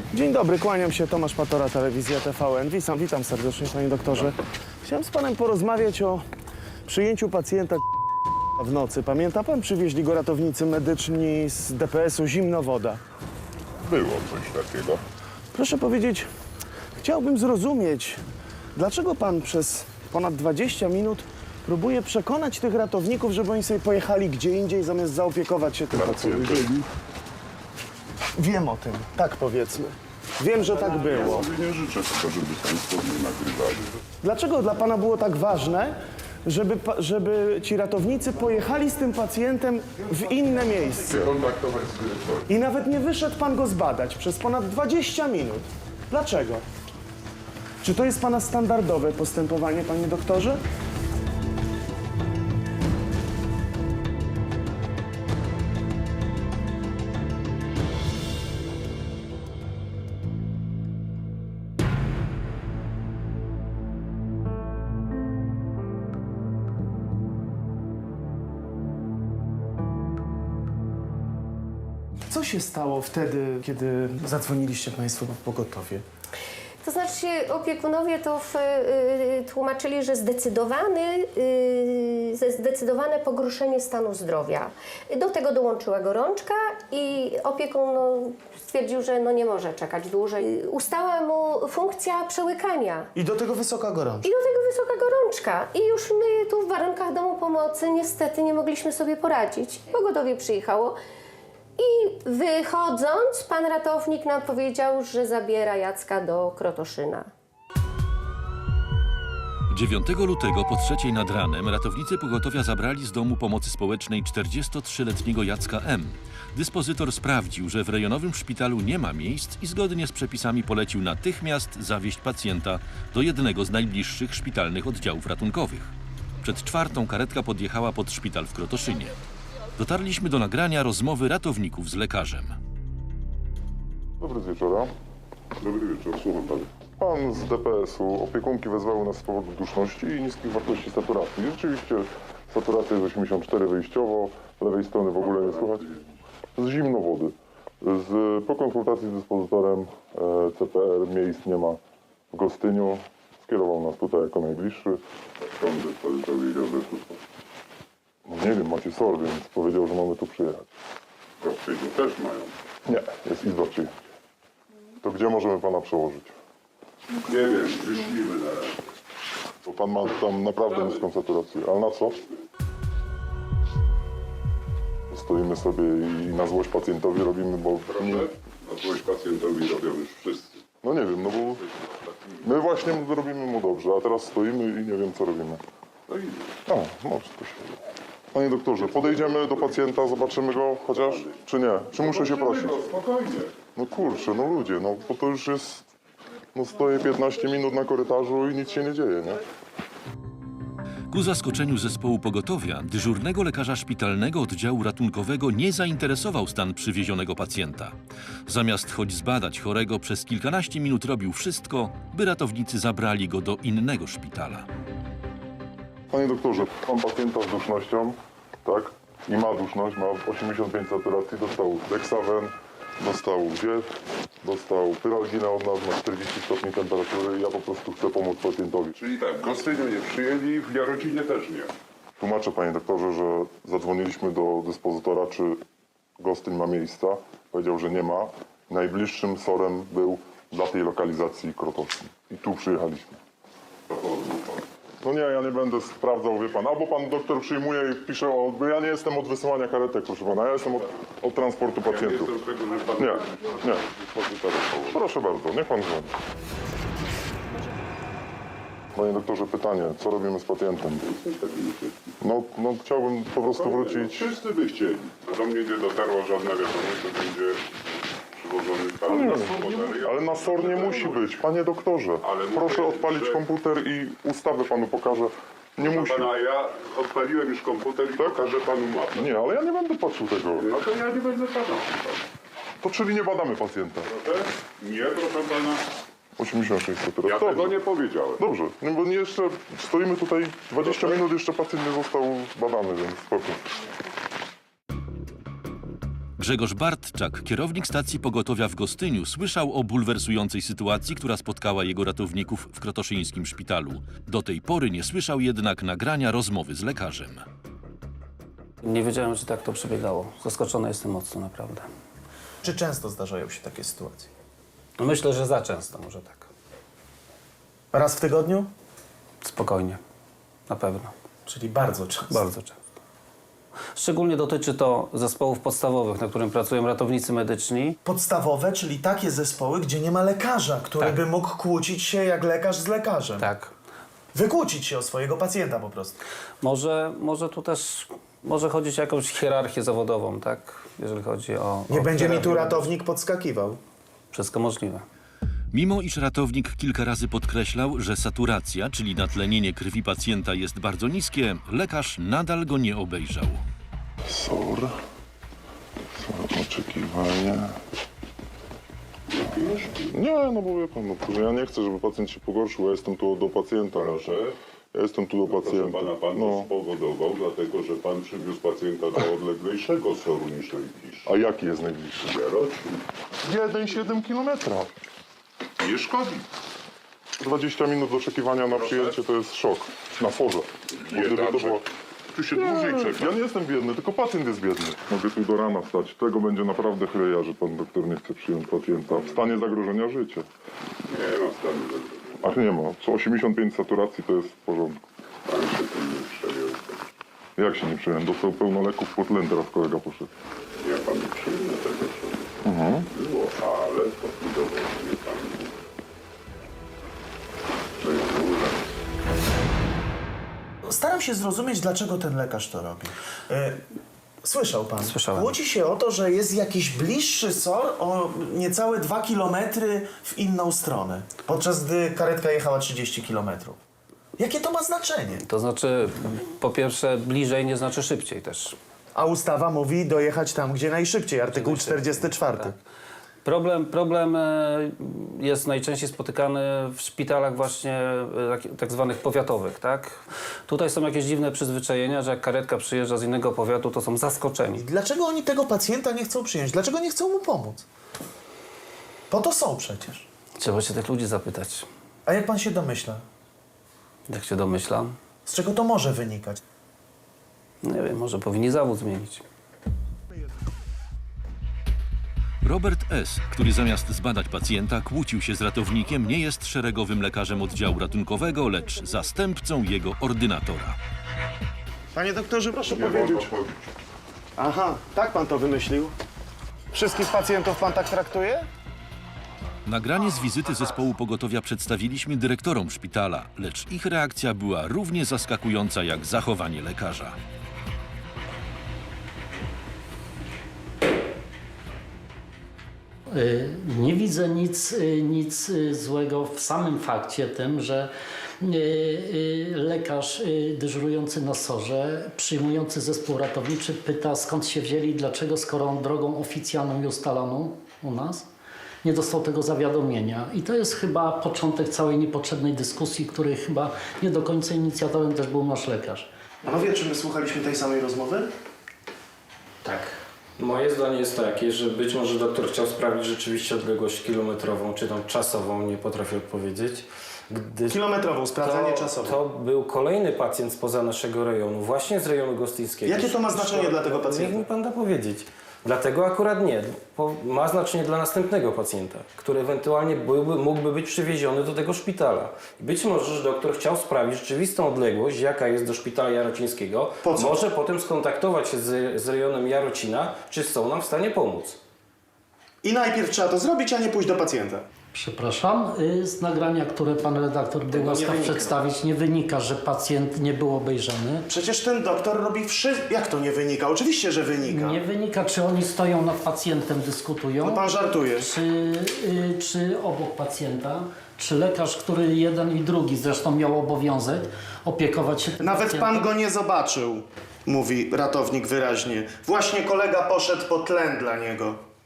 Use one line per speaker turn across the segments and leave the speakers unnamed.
Dzień dobry, kłaniam się, Tomasz Patora, Telewizja TVN. Witam serdecznie, panie doktorze. Chciałem z panem porozmawiać o przyjęciu pacjenta w nocy. Pamięta pan? Przywieźli go ratownicy medyczni z DPS-u Zimnowoda.
Było coś takiego.
Proszę powiedzieć, chciałbym zrozumieć, dlaczego pan przez ponad 20 minut próbuje przekonać tych ratowników, żeby oni sobie pojechali gdzie indziej, zamiast zaopiekować się tym pacjentem. Wiem o tym, tak powiedzmy. Wiem, że tak było.
Ja sobie nie życzę tego, żeby państwo mnie nagrywali.
Dlaczego dla pana było tak ważne, żeby ci ratownicy pojechali z tym pacjentem w inne miejsce?
Kontaktować z dyrektorem.
I nawet nie wyszedł pan go zbadać przez ponad 20 minut. Dlaczego? Czy to jest pana standardowe postępowanie, panie doktorze? Co się stało wtedy, kiedy zadzwoniliście państwo po pogotowie?
To znaczy opiekunowie to tłumaczyli, że zdecydowane pogorszenie stanu zdrowia. Do tego dołączyła gorączka i opiekun stwierdził, że nie może czekać dłużej. Ustała mu funkcja przełykania.
I do tego wysoka gorączka.
I do tego wysoka gorączka. I już my tu w warunkach domu pomocy niestety nie mogliśmy sobie poradzić. Pogotowie przyjechało. I wychodząc, pan ratownik nam powiedział, że zabiera Jacka do Krotoszyna.
9 lutego po 3 nad ranem ratownicy pogotowia zabrali z domu pomocy społecznej 43-letniego Jacka M. Dyspozytor sprawdził, że w rejonowym szpitalu nie ma miejsc i zgodnie z przepisami polecił natychmiast zawieźć pacjenta do jednego z najbliższych szpitalnych oddziałów ratunkowych. Przed 4 karetka podjechała pod szpital w Krotoszynie. Dotarliśmy do nagrania rozmowy ratowników z lekarzem.
Dobry wieczora. Dobry wieczór, słucham pana. Pan z DPS-u, opiekunki wezwały nas z powodu duszności i niskich wartości saturacji. Rzeczywiście saturacja jest 84 wyjściowo, lewej strony w ogóle nie słychać. Z Zimnowody. Po konsultacji z dyspozytorem CPR miejsc nie ma w Gostyniu. Skierował nas tutaj jako najbliższy. Skąd dyspozytor wiedział, że tu? Nie wiem, macie SOR, więc powiedział, że mamy tu przyjechać. W Gostyniu też mają? Nie, jest izba przyjęć. To gdzie możemy pana przełożyć?
Nie wiem, wyślimy na razie.
Bo pan ma tam naprawdę niską saturację. Ale na co? Stoimy sobie i na złość pacjentowi robimy, bo...
Proszę? Na złość pacjentowi robią już wszyscy.
No nie wiem, no bo my właśnie robimy mu dobrze, a teraz stoimy i nie wiem, co robimy.
No i
No, może to się... Panie doktorze, podejdziemy do pacjenta, zobaczymy go chociaż, czy nie? Czy muszę się prosić?
no, spokojnie.
No kurczę, no ludzie, no bo to już jest... No stoję 15 minut na korytarzu i nic się nie dzieje, nie?
Ku zaskoczeniu zespołu pogotowia, dyżurnego lekarza szpitalnego oddziału ratunkowego nie zainteresował stan przywiezionego pacjenta. Zamiast choć zbadać chorego, przez kilkanaście minut robił wszystko, by ratownicy zabrali go do innego szpitala.
Panie doktorze, mam pacjenta z dusznością, tak? I ma duszność, ma 85 saturacji, dostał Dexaven, dostał Diet, dostał Pyralginę od nas, ma 40 stopni temperatury. Ja po prostu chcę pomóc pacjentowi.
Czyli tak, w Gostyniu nie przyjęli, w Jarocinie też nie.
Tłumaczę, panie doktorze, że zadzwoniliśmy do dyspozytora, czy Gostyń ma miejsca. Powiedział, że nie ma. Najbliższym SOR-em był dla tej lokalizacji Krotoszyn. I tu przyjechaliśmy.
To pozwól pan.
No nie, ja nie będę sprawdzał, wie pan. Albo pan doktor przyjmuje i pisze, bo ja nie jestem od wysyłania karetek, proszę pana. Ja jestem od transportu
Ja nie
pacjentów.
jestem tego, że pan...
Nie. Proszę bardzo, niech pan dzwoni. Panie doktorze, pytanie, co robimy z pacjentem? No chciałbym po prostu wrócić.
Wszyscy by chcieli. Do mnie nie dotarła żadna wiadomość, że będzie przywożony pan.
Ale na SOR nie musi być, panie doktorze.
Ale
Proszę
mówię,
odpalić
że-
komputer i ustawę panu pokażę. Nie musi.
Pana, ja odpaliłem już komputer i pokażę panu mapę.
Nie, ale ja nie będę patrzył tego.
No to ja nie będę pana.
To czyli nie badamy pacjenta.
Proszę? Nie, proszę pana.
86 saturacji.
Ja tego nie powiedziałem.
Dobrze, no bo jeszcze stoimy tutaj 20 minut, jeszcze pacjent nie został badany, więc spoko.
Grzegorz Bartczak, kierownik stacji pogotowia w Gostyniu, słyszał o bulwersującej sytuacji, która spotkała jego ratowników w krotoszyńskim szpitalu. Do tej pory nie słyszał jednak nagrania rozmowy z lekarzem.
Nie wiedziałem, że tak to przebiegało. Zaskoczony jestem mocno, naprawdę.
Czy często zdarzają się takie sytuacje?
No myślę, że za często, może tak.
Raz w tygodniu?
Spokojnie. Na pewno.
Czyli bardzo często.
Bardzo często. Szczególnie dotyczy to zespołów podstawowych, na którym pracują ratownicy medyczni.
Podstawowe, czyli takie zespoły, gdzie nie ma lekarza, który
Tak.
by mógł kłócić się jak lekarz z lekarzem.
Tak.
Wykłócić się o swojego pacjenta po prostu.
Może tu też może chodzić o jakąś hierarchię zawodową, tak? Jeżeli chodzi o...
Nie
o
będzie mi tu
hierarchię.
ratownik podskakiwał.
Wszystko możliwe.
Mimo iż ratownik kilka razy podkreślał, że saturacja, czyli natlenienie krwi pacjenta jest bardzo niskie, lekarz nadal go nie obejrzał.
SOR. Oczekiwania. Nie, no bo wie pan, no, ja nie chcę, żeby pacjent się pogorszył, ja jestem tu do pacjenta.
Proszę.
Ja jestem tu do
Proszę
pacjenta.
pana, pan to spowodował, dlatego że pan przywiózł pacjenta do odleglejszego SOR-u niż Lejkisz.
A jaki jest najbliższy?
Jarocin.
1,7 kilometra.
Nie szkodzi.
20 minut oczekiwania na przyjęcie to jest szok. Na forze. Bo gdyby to było...
Tu się dłużej czeka.
Ja nie jestem biedny, tylko pacjent jest biedny. Mogę tu do rana wstać. Tego będzie naprawdę chleja, że pan doktor nie chce przyjąć pacjenta w stanie zagrożenia życia.
Nie ma stanu zagrożenia.
Ach nie ma. Co 85 saturacji to jest w porządku.
Pan się tym nie przejął.
Jak się nie przyjąłem? Dostał pełno leków, pod tlen teraz kolega poszedł.
Ja panu przyjmę tego, co było, ale podbudował mnie pan. To jest dużo.
Staram się zrozumieć, dlaczego ten lekarz to robi. Słyszał pan?
Słyszałem.
Kłóci się o to, że jest jakiś bliższy SOR o niecałe 2 kilometry w inną stronę, podczas gdy karetka jechała 30 kilometrów. Jakie to ma znaczenie?
To znaczy, po pierwsze, bliżej nie znaczy szybciej też.
A ustawa mówi dojechać tam, gdzie najszybciej, artykuł 44.
Tak. Problem jest najczęściej spotykany w szpitalach właśnie tak zwanych powiatowych, tak? Tutaj są jakieś dziwne przyzwyczajenia, że jak karetka przyjeżdża z innego powiatu, to są zaskoczeni.
Dlaczego oni tego pacjenta nie chcą przyjąć? Dlaczego nie chcą mu pomóc? Po to są przecież.
Trzeba się tych ludzi zapytać.
A jak pan się domyśla?
Jak się domyślam,
Z czego to może wynikać?
nie wiem, może powinni zawód zmienić.
Robert S., który zamiast zbadać pacjenta, kłócił się z ratownikiem, nie jest szeregowym lekarzem oddziału ratunkowego, lecz zastępcą jego ordynatora.
Panie doktorze, proszę
Nie wolno
powiedzieć.
chodzić.
Aha, tak pan to wymyślił? Wszystkich pacjentów pan tak traktuje?
Nagranie z wizyty zespołu pogotowia przedstawiliśmy dyrektorom szpitala, lecz ich reakcja była równie zaskakująca jak zachowanie lekarza.
Nie widzę nic złego w samym fakcie tym, że lekarz dyżurujący na SOR-ze, przyjmujący zespół ratowniczy pyta, skąd się wzięli, dlaczego, skoro on drogą oficjalną i ustaloną u nas nie dostał tego zawiadomienia. I to jest chyba początek całej niepotrzebnej dyskusji, której chyba nie do końca inicjatorem też był nasz lekarz.
Panowie, czy my słuchaliśmy tej samej rozmowy?
Tak. Moje zdanie jest takie, że być może doktor chciał sprawdzić rzeczywiście odległość kilometrową, czy tam czasową, nie potrafię odpowiedzieć. Gdy
Kilometrową, sprawdzenie czasowe.
To był kolejny pacjent spoza naszego rejonu, właśnie z rejonu gostyńskiego.
Jakie to ma znaczenie dla tego pacjenta?
Niech mi pan da powiedzieć. Dlatego akurat nie. Ma znaczenie dla następnego pacjenta, który ewentualnie mógłby być przywieziony do tego szpitala. I być może, że doktor chciał sprawdzić rzeczywistą odległość, jaka jest do szpitala jarocińskiego.
Po co?
Może potem skontaktować się z rejonem Jarocina, czy są nam w stanie pomóc.
I najpierw trzeba to zrobić, a nie pójść do pacjenta.
Przepraszam, z nagrania, które pan redaktor był łaskaw przedstawić, nie wynika, że pacjent nie był obejrzany.
Przecież ten doktor robi wszystko. Jak to nie wynika? Oczywiście, że wynika.
Nie wynika, czy oni stoją nad pacjentem, dyskutują,
No pan żartuje.
czy obok pacjenta, czy lekarz, który jeden i drugi zresztą miał obowiązek opiekować się tym
Nawet
pacjentem.
pan go nie zobaczył, mówi ratownik wyraźnie. Właśnie kolega poszedł po tlen dla niego.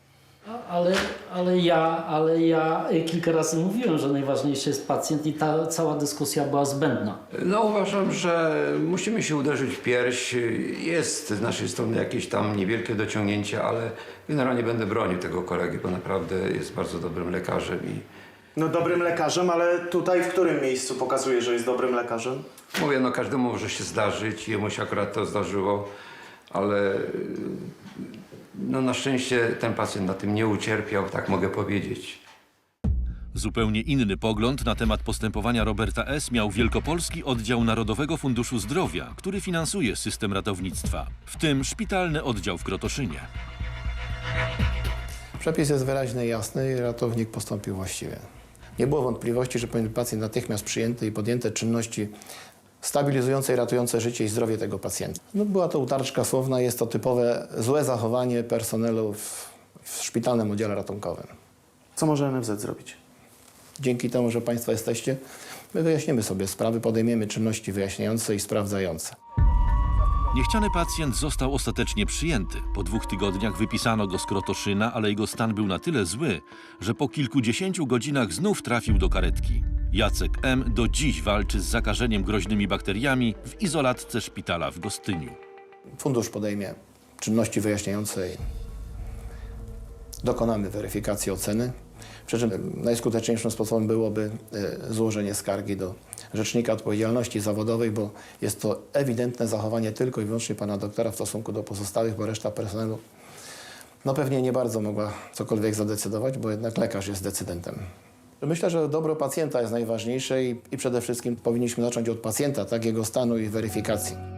Ale ja kilka razy mówiłem, że najważniejszy jest pacjent i ta cała dyskusja była zbędna.
No uważam, że musimy się uderzyć w pierś. Jest z naszej strony jakieś tam niewielkie dociągnięcie, ale generalnie będę bronił tego kolegi, bo naprawdę jest bardzo dobrym lekarzem i
No dobrym lekarzem, ale tutaj w którym miejscu pokazuje, że jest dobrym lekarzem?
mówię, no każdemu może się zdarzyć, jemu się akurat to zdarzyło, ale no na szczęście ten pacjent na tym nie ucierpiał, tak mogę powiedzieć.
Zupełnie inny pogląd na temat postępowania Roberta S. miał Wielkopolski Oddział Narodowego Funduszu Zdrowia, który finansuje system ratownictwa, w tym szpitalny oddział w Krotoszynie.
Przepis jest wyraźny i jasny i ratownik postąpił właściwie. Nie było wątpliwości, że powinien być pacjent natychmiast przyjęty i podjęte czynności stabilizujące i ratujące życie i zdrowie tego pacjenta. No, była to utarczka słowna, jest to typowe złe zachowanie personelu w szpitalnym oddziale ratunkowym.
Co może NFZ zrobić?
Dzięki temu, że Państwo jesteście, my wyjaśnimy sobie sprawy, podejmiemy czynności wyjaśniające i sprawdzające.
Niechciany pacjent został ostatecznie przyjęty. Po 2 tygodniach wypisano go z Krotoszyna, ale jego stan był na tyle zły, że po kilkudziesięciu godzinach znów trafił do karetki. Jacek M. do dziś walczy z zakażeniem groźnymi bakteriami w izolatce szpitala w Gostyniu.
Fundusz podejmie czynności wyjaśniające i dokonamy weryfikacji oceny. Przy czym najskuteczniejszym sposobem byłoby złożenie skargi do Rzecznika Odpowiedzialności Zawodowej, bo jest to ewidentne zachowanie tylko i wyłącznie pana doktora w stosunku do pozostałych, bo reszta personelu no pewnie nie bardzo mogła cokolwiek zadecydować, bo jednak lekarz jest decydentem. Myślę, że dobro pacjenta jest najważniejsze i przede wszystkim powinniśmy zacząć od pacjenta, tak, jego stanu i weryfikacji.